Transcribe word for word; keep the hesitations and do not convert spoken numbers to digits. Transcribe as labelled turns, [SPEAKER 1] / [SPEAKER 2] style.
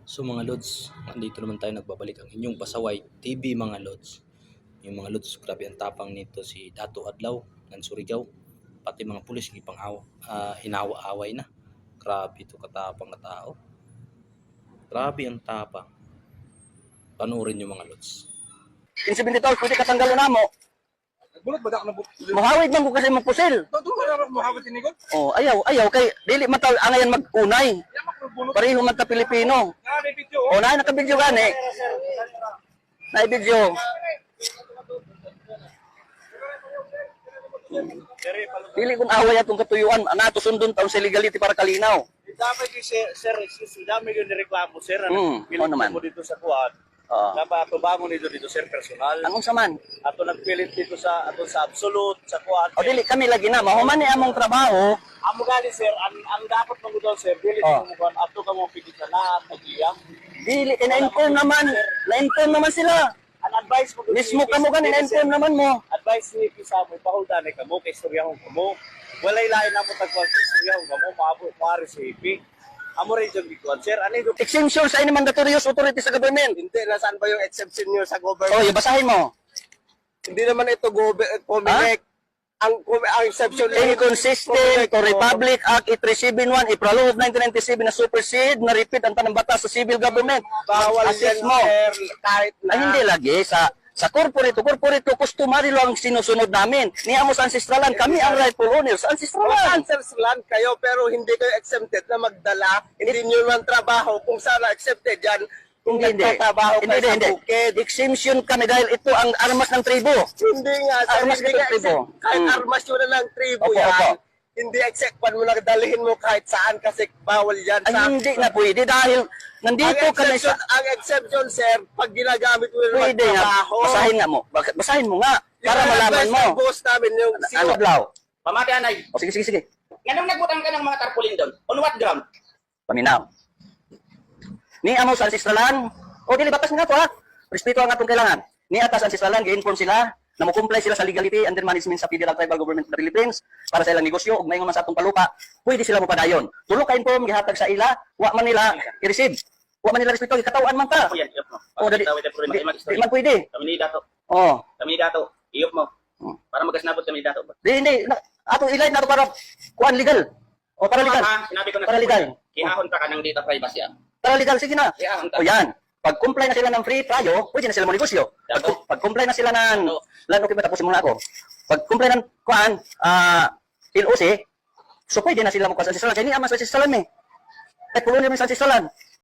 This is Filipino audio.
[SPEAKER 1] So mga lods, nandito naman tayo nagbabalik ang inyong pasaway T V mga lods. Yung mga lods, grabe ang tapang nito si Dato Adlaw ng Surigao. Pati mga pulis ipang aw, uh, inawa-away na. Grabe ito katapang na tao. Grabe ang tapang. Panurin yung mga lods.
[SPEAKER 2] Insibility tol, pwede katanggalan na mo.
[SPEAKER 3] Bulot ba na buk?
[SPEAKER 2] Mahawid man ko kasi mong pusil.
[SPEAKER 3] Todo wala ra mahawit ini gud.
[SPEAKER 2] Oh, ayaw, ayaw kay dili man taw angayan mag-unay. Pareho man ta Pilipino.
[SPEAKER 3] Ah, may video.
[SPEAKER 2] Oh, na naka-video gani. Na video. Dili kung away atong katuyuan, ana to sundon taon sa legality para kalinaw.
[SPEAKER 4] Dapat yung sir, sir, excuse me, dami yung nireklamo, sir.
[SPEAKER 2] Hmm,
[SPEAKER 4] Pilit
[SPEAKER 2] ano naman?
[SPEAKER 4] mo dito sa kuwan.
[SPEAKER 2] Oo.
[SPEAKER 4] Dapat tubangon nito dito, sir, personal.
[SPEAKER 2] Anong saman?
[SPEAKER 4] Ato nagpilit dito sa ato sa absolute, sa kuwan.
[SPEAKER 2] O dili kami lagi na mahuman ni among trabaho.
[SPEAKER 4] Amo gali, sir, ang, ang dapat mong doon, sir, pilit
[SPEAKER 2] Oh.
[SPEAKER 4] mo kuwan, ato ka mo pigit sa lahat, nag-iyang.
[SPEAKER 2] Dili na-inform naman, na-inform naman sila.
[SPEAKER 4] Ang advice mo doon,
[SPEAKER 2] Mismo kamo gani na-inform naman mo.
[SPEAKER 4] advice ni Pisa mo, pahuldan ka mo, kay istoryahon ka mo. Walay lain na mo tagkuhan sa istoryahon ka mo, maabot, maari sa hipi. Amo rin yung bikuan, sir. Ano yung
[SPEAKER 2] Exemption sa any mandatorious authority sa government.
[SPEAKER 4] hindi, nasaan ba yung exception nyo sa government?
[SPEAKER 2] Oh, basahin mo.
[SPEAKER 4] Hindi naman ito government, Comelec. Ang, ang exception
[SPEAKER 2] Inconsistent to Republic Act eight three seven one, April of nineteen ninety-seven na supersede, na repeat ang tanang batas sa civil government.
[SPEAKER 4] Bawal
[SPEAKER 2] Assess
[SPEAKER 4] yan,
[SPEAKER 2] mo.
[SPEAKER 4] sir, kahit na.
[SPEAKER 2] Ay, hindi lagi. Sa sa corporate, corporate customary lang ang sinusunod namin. Niya mo sa ancestralan, kami ang rightful owners sa ancestralan.
[SPEAKER 4] Answers land kayo, pero hindi kayo exempted na magdala. Hindi nyo man trabaho kung sana accepted yan. Kung
[SPEAKER 2] Hindi, hindi.
[SPEAKER 4] nagtatrabaho
[SPEAKER 2] Hindi,
[SPEAKER 4] kayo
[SPEAKER 2] hindi,
[SPEAKER 4] sa
[SPEAKER 2] hindi.
[SPEAKER 4] bukid.
[SPEAKER 2] Exemption kami dahil ito ang armas ng tribo.
[SPEAKER 4] Hindi nga, sir.
[SPEAKER 2] Armas
[SPEAKER 4] Hindi
[SPEAKER 2] ng
[SPEAKER 4] nga
[SPEAKER 2] tribo.
[SPEAKER 4] exempt. Kahit
[SPEAKER 2] Hmm.
[SPEAKER 4] armas yun na lang tribo
[SPEAKER 2] Opo,
[SPEAKER 4] yan.
[SPEAKER 2] opo.
[SPEAKER 4] Hindi accept mo na dalhin mo kahit saan kasi bawal yan.
[SPEAKER 2] Ay, hindi na pwede dahil
[SPEAKER 4] ang
[SPEAKER 2] nandito kami
[SPEAKER 4] exception,
[SPEAKER 2] sa...
[SPEAKER 4] ang exception, sir, pag ginagamit mo na
[SPEAKER 2] Pwede nga.
[SPEAKER 4] magtrabaho.
[SPEAKER 2] Basahin nga mo. Bak- Basahin mo nga. Para
[SPEAKER 4] Yung
[SPEAKER 2] malaman
[SPEAKER 4] advice
[SPEAKER 2] mo.
[SPEAKER 4] ng boss namin, yung
[SPEAKER 2] Ano, Blau?
[SPEAKER 5] Pamati anay,
[SPEAKER 2] O sige, sige, sige.
[SPEAKER 5] nganong nagbutang ka ng mga tarpaulin doon? On what ground?
[SPEAKER 2] Paminaw. Ni amo sa ancestralan. O dili batas nga to ha. Respeto ang atong kailangan. Ni atas ancestralan gi-inform sila na mo-comply sila sa legality under management sa Federal Tribal Government of the Philippines para sa ilang negosyo ug mayon man sa atong palupa. Pwede sila mo padayon. Tulo ka inform gihatag sa ila, wa man nila i-receive. Wa man nila respeto gikatawan man ka.
[SPEAKER 5] Ako yan, iyop mo.
[SPEAKER 2] O dali.
[SPEAKER 5] Tawid ang problema,
[SPEAKER 2] Di
[SPEAKER 5] mag-istorya.
[SPEAKER 2] di man pwede.
[SPEAKER 5] Kami ni Dato.
[SPEAKER 2] Oh.
[SPEAKER 5] Kami ni Dato. Iyop mo.
[SPEAKER 2] Hmm.
[SPEAKER 5] Para magkasnabot kami ni Dato.
[SPEAKER 2] Di hindi na, atong ilay na to para kuan legal. O para legal.
[SPEAKER 5] Ha, sinabi ko na.
[SPEAKER 2] Para legal.
[SPEAKER 5] Kinahon pa ka ng data privacy. ah.
[SPEAKER 2] Para legal sige na.
[SPEAKER 5] Kinahon ka.
[SPEAKER 2] O yan. Pag comply na sila ng free trial, pwede na sila mo negosyo. Pag,
[SPEAKER 5] Dato.
[SPEAKER 2] pag comply na sila ng
[SPEAKER 5] Dato.
[SPEAKER 2] lan okay ba tapusin muna ako. Pag comply ng kuan ah L O C, so pwede na sila mo sa sisalan. Kaya ni ama sa sisalan eh. Kahit pulo naman sa sisalan.